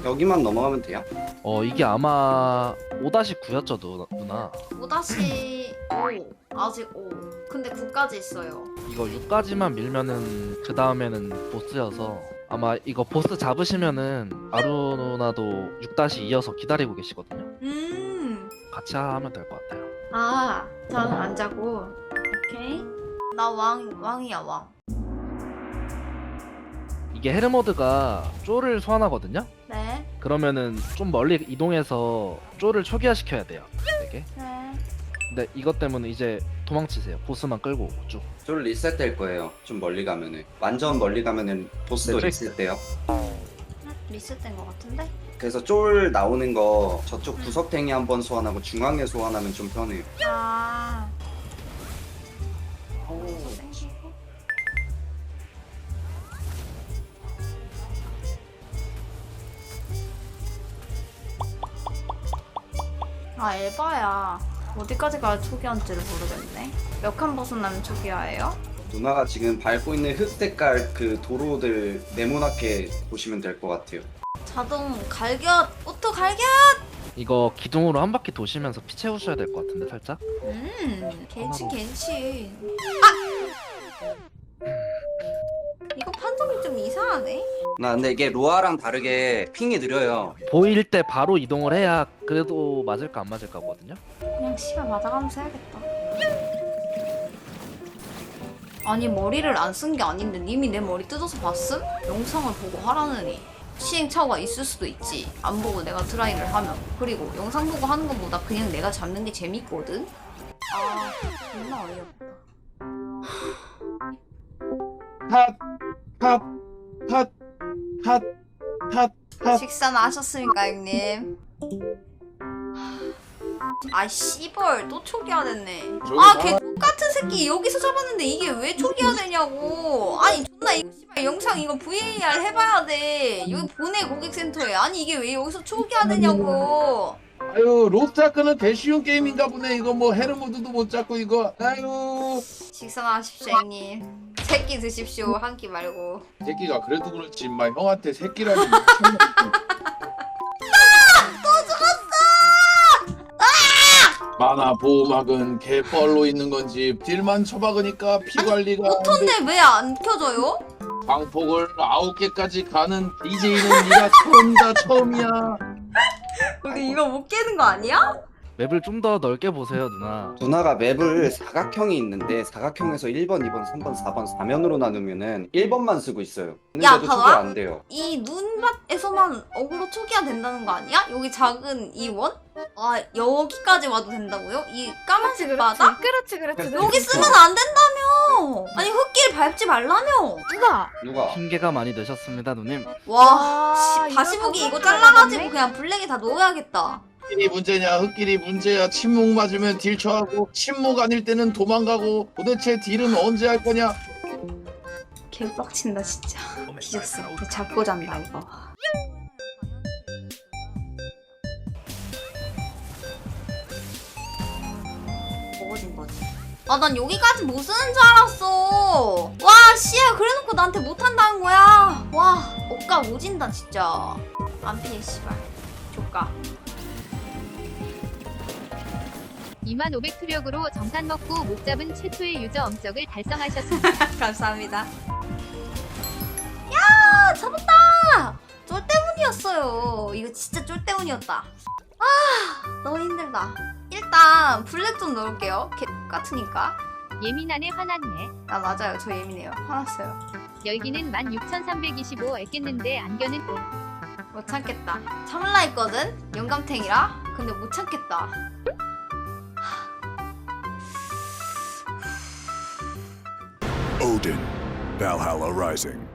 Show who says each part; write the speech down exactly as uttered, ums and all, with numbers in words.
Speaker 1: 여기만 넘어가면 돼요?
Speaker 2: 어 이게 아마 오 구였죠 누나.
Speaker 3: 오 다시 오 아직 오 근데 구까지 있어요.
Speaker 2: 이거 육까지만 밀면은 그 다음에는 보스여서 아마 이거 보스 잡으시면은 아루 누나도 육 이어서 기다리고 계시거든요.
Speaker 3: 음.
Speaker 2: 같이 하면 될 것 같아요.
Speaker 3: 아 저는 안 자고. 오케이. 나 왕 왕이야 왕.
Speaker 2: 이게 헤르모드가 쪼를 소환하거든요.
Speaker 3: 네.
Speaker 2: 그러면은 좀 멀리 이동해서 쪼를 초기화시켜야 돼요. 되게.
Speaker 3: 네.
Speaker 2: 근데 이것 때문에 이제 도망치세요. 보스만 끌고 오고 쭉.
Speaker 1: 좀 리셋될 거예요. 좀 멀리 가면은. 완전 멀리 가면은 보스도
Speaker 2: 네,
Speaker 1: 리셋돼요.
Speaker 3: 리셋된 것 같은데?
Speaker 1: 그래서 쫄 나오는 거 저쪽 구석탱이 한번 소환하고 중앙에 소환하면 좀 편해요.
Speaker 3: 아.
Speaker 1: 오.
Speaker 3: 아 에바야. 어디까지 가야 초기화인지를 모르겠네. 몇 칸 벗어나면 초기화예요?
Speaker 1: 누나가 지금 밟고 있는 흑 색깔 그 도로들 네모나게 보시면 될 것 같아요.
Speaker 3: 자동 갈겨 오토 갈겨.
Speaker 2: 이거 기둥으로 한 바퀴 도시면서 피 채우셔야 될 것 같은데 살짝.
Speaker 3: 음 겐친 겐친. 아! 이거 판정이 좀 이상하네.
Speaker 1: 나 근데 이게 로아랑 다르게 핑이 느려요.
Speaker 2: 보일 때 바로 이동을 해야 그래도 맞을까 안 맞을까 거든요.
Speaker 3: 그냥 시간 맞아가면서 해야겠다. 아니 머리를 안 쓴 게 아닌데 님이 내 머리 뜯어서 봤음? 영상을 보고 하라느니 시행착오가 있을 수도 있지. 안 보고 내가 드라이를 하면. 그리고 영상 보고 하는 것보다 그냥 내가 잡는 게 재밌거든? 아 존나 어이없다.
Speaker 4: 핫, 핫, 핫, 핫, 핫, 핫.
Speaker 3: 식사는 하셨습니까 형님? 아 씨벌 또 초기화 됐네. 아 걔 똑같은 새끼 여기서 잡았는데 이게 왜 초기화 되냐고. 아니 존나 이거 씨발 영상 이거 브이에이알 해봐야 돼. 여기 보내 고객센터에. 아니 이게 왜 여기서 초기화 되냐고.
Speaker 4: 아유, 로스트아크는 대쉬운 게임인가 보네. 이거 뭐 헤르모드도 못 잡고 이거. 아유,
Speaker 3: 식사나 하십시오 형님. 새끼 드십시오 한 끼 말고.
Speaker 4: 새끼가 그래도 그렇지, 인마 형한테 새끼라니. 만화 보호막은 개뻘로 있는 건지 딜만 쳐박으니까 피 관리가 안 돼.
Speaker 3: 오토인데 왜 안 켜져요?
Speaker 4: 광폭을 아홉 개까지 가는 디제이는 네가 처음이다 처음이야.
Speaker 3: 우리 이거 못 깨는 거 아니야?
Speaker 2: 맵을 좀 더 넓게 보세요 누나.
Speaker 1: 누나가 맵을 사각형이 있는데 사각형에서 일 번, 이 번, 삼 번, 사 번, 사 면으로 나누면은 일 번만 쓰고 있어요.
Speaker 3: 야,
Speaker 1: 근데도
Speaker 3: 봐봐.
Speaker 1: 초기 안 돼요. 이
Speaker 3: 이 눈밭에서만 어그로 초기화 된다는 거 아니야? 여기 작은 이 원? 아 여기까지 와도 된다고요? 이 까만색 바다?
Speaker 5: 그렇지 그렇지
Speaker 3: 여기 쓰면 안 된다며! 아니 흙길 밟지 말라며!
Speaker 5: 누나
Speaker 1: 누가?
Speaker 2: 핑계가 많이 되셨습니다 누님.
Speaker 3: 와
Speaker 5: 와,
Speaker 3: 씨, 다시
Speaker 5: 이거
Speaker 3: 보기 이거
Speaker 5: 너무
Speaker 3: 잘라가지고
Speaker 5: 잘라놨네.
Speaker 3: 그냥 블랙에 다 넣어야겠다.
Speaker 4: 흑길이 문제냐 흑길이 문제야. 침묵 맞으면 딜 쳐하고 침묵 아닐 때는 도망가고. 도대체 딜은 언제 할 거냐.
Speaker 3: 개빡친다 진짜. 뒤졌어. 이거 잡고 잔다 이거. 먹어진 거지. 아 난 여기까지 못 쓰는 줄 알았어. 와 씨야 그래놓고 나한테 못한다는 거야. 와 억까 오진다 진짜. 안 피해 씨발. 조까.
Speaker 6: 이만 오백 투력으로 정산 먹고 못 잡은 최초의 유저 엄적을 달성하셨습니다.
Speaker 3: 감사합니다. 야 잡았다. 쫄 때문이었어요. 이거 진짜 쫄 때문이었다. 아 너무 힘들다. 일단 블랙 좀 넣을게요. 개 같으니까.
Speaker 6: 예민하네 화났네.
Speaker 3: 아 맞아요. 저 예민해요. 화났어요.
Speaker 6: 열기는 만 육천삼백이십오 했겠는데 안겨는
Speaker 3: 못 참겠다. 참을라 했거든. 영감탱이라. 근데 못 참겠다.
Speaker 7: Odin, Valhalla Rising.